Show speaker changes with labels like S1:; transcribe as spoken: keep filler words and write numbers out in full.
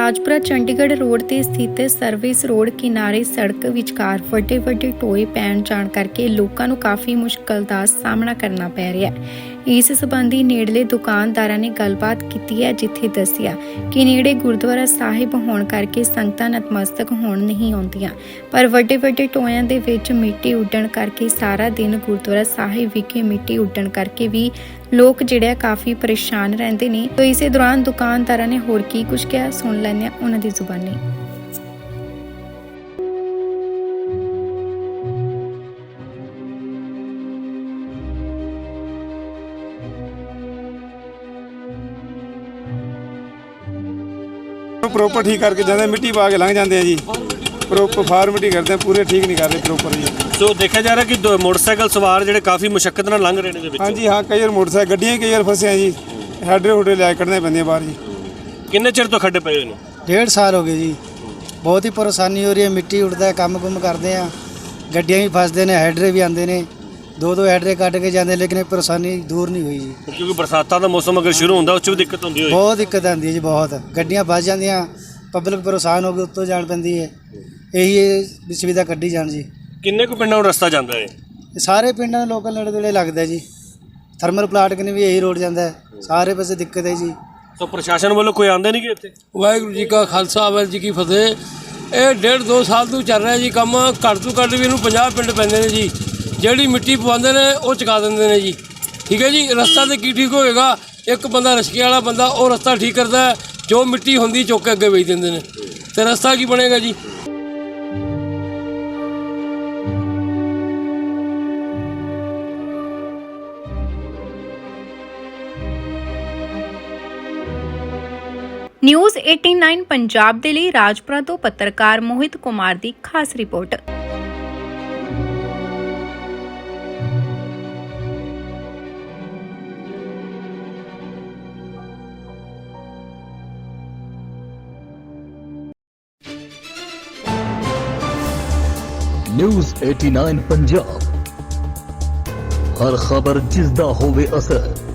S1: Rajpura Chandigarh road ਤੇ ਸਥਿਤ service road ਕਿਨਾਰੇ ਸੜਕ ਵਿਚਕਾਰ ਵੱਡੇ ਵੱਡੇ ਟੋਏ ਪੈਣ ਜਾਣ ਕਰਕੇ ਲੋਕਾਂ ਨੂੰ ਕਾਫੀ ਮੁਸ਼ਕਲ ਦਾ ਸਾਹਮਣਾ ਕਰਨਾ ਪੈ ਰਿਹਾ ਹੈ। ਇਸ ਸੰਬੰਧੀ ਨੇੜਲੇ ਦੁਕਾਨਦਾਰਾਂ ਨੇ ਗੱਲਬਾਤ ਕੀਤੀ ਹੈ, ਜਿੱਥੇ ਦੱਸਿਆ ਕਿ ਨੇੜੇ ਗੁਰਦੁਆਰਾ ਸਾਹਿਬ ਹੋਣ ਕਰਕੇ ਸੰਗਤਾਂ ਨਤਮਸਤਕ ਹੋਣ ਨਹੀਂ ਆਉਂਦੀਆਂ, ਪਰ ਵੱਡੇ ਵੱਡੇ ਟੋਇਆਂ ਦੇ ਵਿੱਚ ਮਿੱਟੀ ਉੱਡਣ ਕਰਕੇ ਸਾਰਾ ਦਿਨ ਗੁਰਦੁਆਰਾ ਸਾਹਿਬ ਵਿਖੇ ਮਿੱਟੀ ਉੱਡਣ ਕਰਕੇ ਵੀ ਲੋਕ ਜਿਹੜੇ ਕਾਫੀ ਪਰੇਸ਼ਾਨ ਰਹਿੰਦੇ ਨੇ। तो इसे दौरान दुकानदारों ने होर की कुछ कहा, सुन लैंदे हां उन्हां दी जुबानी।
S2: ਪ੍ਰੋਪਰ ਠੀਕ ਕਰਕੇ ਜਾਂਦੇ, ਮਿੱਟੀ ਪਾ ਕੇ ਲੰਘ ਜਾਂਦੇ ਆ ਜੀ। ਪ੍ਰੋਪਰ ਫਾਰਮੈਲਿਟੀ ਕਰਦੇ ਆ, ਪੂਰੇ ਠੀਕ ਨਹੀਂ ਕਰਦੇ ਪ੍ਰੋਪਰ ਜੀ।
S3: ਸੋ ਦੇਖਿਆ ਜਾ ਰਿਹਾ ਕਿ ਦੋ ਮੋਟਰਸਾਈਕਲ ਸਵਾਰ ਜਿਹੜੇ ਕਾਫੀ ਮੁਸ਼ੱਕਤ ਨਾਲ ਲੰਘ ਰਹੇ ਨੇ ਦੇ ਵਿੱਚ।
S2: ਹਾਂਜੀ ਹਾਂ, ਕਈ ਵਾਰ ਮੋਟਰਸਾਈਕਲ ਗੱਡੀਆਂ ਕਈ ਵਾਰ ਫਸੇ ਆ ਜੀ, ਹੈਡਰੇ ਹੁਡੇ ਲੈ ਕੇ ਕੱਢਣੇ ਪੈਂਦੇ ਬਾਹਰ ਜੀ।
S3: ਕਿੰਨੇ ਚਿਰ ਤੋਂ ਖੱਡੇ ਪਏ ਹੋਏ ਨੇ?
S4: डेढ़ साल हो गए जी। बहुत ही परेशानी हो रही है, मिट्टी उड़ता है, काम कुम करते हैं, गड्डियाँ भी फसते हैं, हैडरे भी आते हैं, दो दो हैडरे कट के जाते हैं, लेकिन ये परेशानी दूर नहीं हुई जी।
S3: क्योंकि बरसातां दा मौसम अगर शुरू होंदा उस च भी दिक्कत होंदी होई।
S4: बहुत दिक्कत आती है जी, बहुत गड्डियाँ फस जाती, पब्लिक परेशान हो गई, उत्तों जान पैंदी है। यही सुविधा कड्ढी जान जी।
S3: किन्ने को पिंडां नूं रस्ता जांदा है?
S4: सारे पिंडां दे लोकल नेड़े नेड़े लगदा है जी। थर्मल प्लाट कने भी यही रोड जाता है, सारे पासे दिक्कत है जी।
S3: तो प्रशासन वालों कोई आंदे नहीं कि इत्थे?
S5: ਵਾਹਿਗੁਰੂ ਜੀ ਕਾ ਖਾਲਸਾ ਵਾਹਿਗੁਰੂ ਜੀ ਕੀ ਫਤਿਹ। ਇਹ ਡੇਢ ਦੋ ਸਾਲ ਤੋਂ ਚੱਲ ਰਿਹਾ ਜੀ ਕੰਮ। ਘੱਟ ਤੋਂ ਘੱਟ ਵੀ ਇਹਨੂੰ ਪੰਜਾਹ ਪਿੰਡ ਪੈਂਦੇ ਨੇ ਜੀ। ਜਿਹੜੀ ਮਿੱਟੀ ਪਵਾਉਂਦੇ ਨੇ ਉਹ ਚੁਕਾ ਦਿੰਦੇ ਨੇ ਜੀ। ਠੀਕ ਹੈ ਜੀ, ਰਸਤਾ ਤੇ ਕੀ ਠੀਕ ਹੋਏਗਾ? ਇੱਕ ਬੰਦਾ ਰਸਕੇ ਵਾਲਾ ਬੰਦਾ ਉਹ ਰਸਤਾ ਠੀਕ ਕਰਦਾ ਹੈ, ਜੋ ਮਿੱਟੀ ਹੁੰਦੀ ਚੁੱਕ ਕੇ ਅੱਗੇ ਵੇਚ ਦਿੰਦੇ ਨੇ, ਤੇ ਰਸਤਾ ਕੀ ਬਣੇਗਾ ਜੀ?
S1: ਨਿਊਜ਼ ਨਵਾਂ ਪੰਜਾਬ ਦੇ ਲਈ ਰਾਜਪੁਰਾ ਤੋਂ ਪੱਤਰਕਾਰ ਮੋਹਿਤ ਕੁਮਾਰ ਦੀ ਖਾਸ ਰਿਪੋਰਟ।
S6: ਨਿਊਜ਼ ਨਵਾਂ ਪੰਜਾਬ, ਹਰ ਖਬਰ ਜਿਸ ਦਾ ਹੋਵੇ ਅਸਰ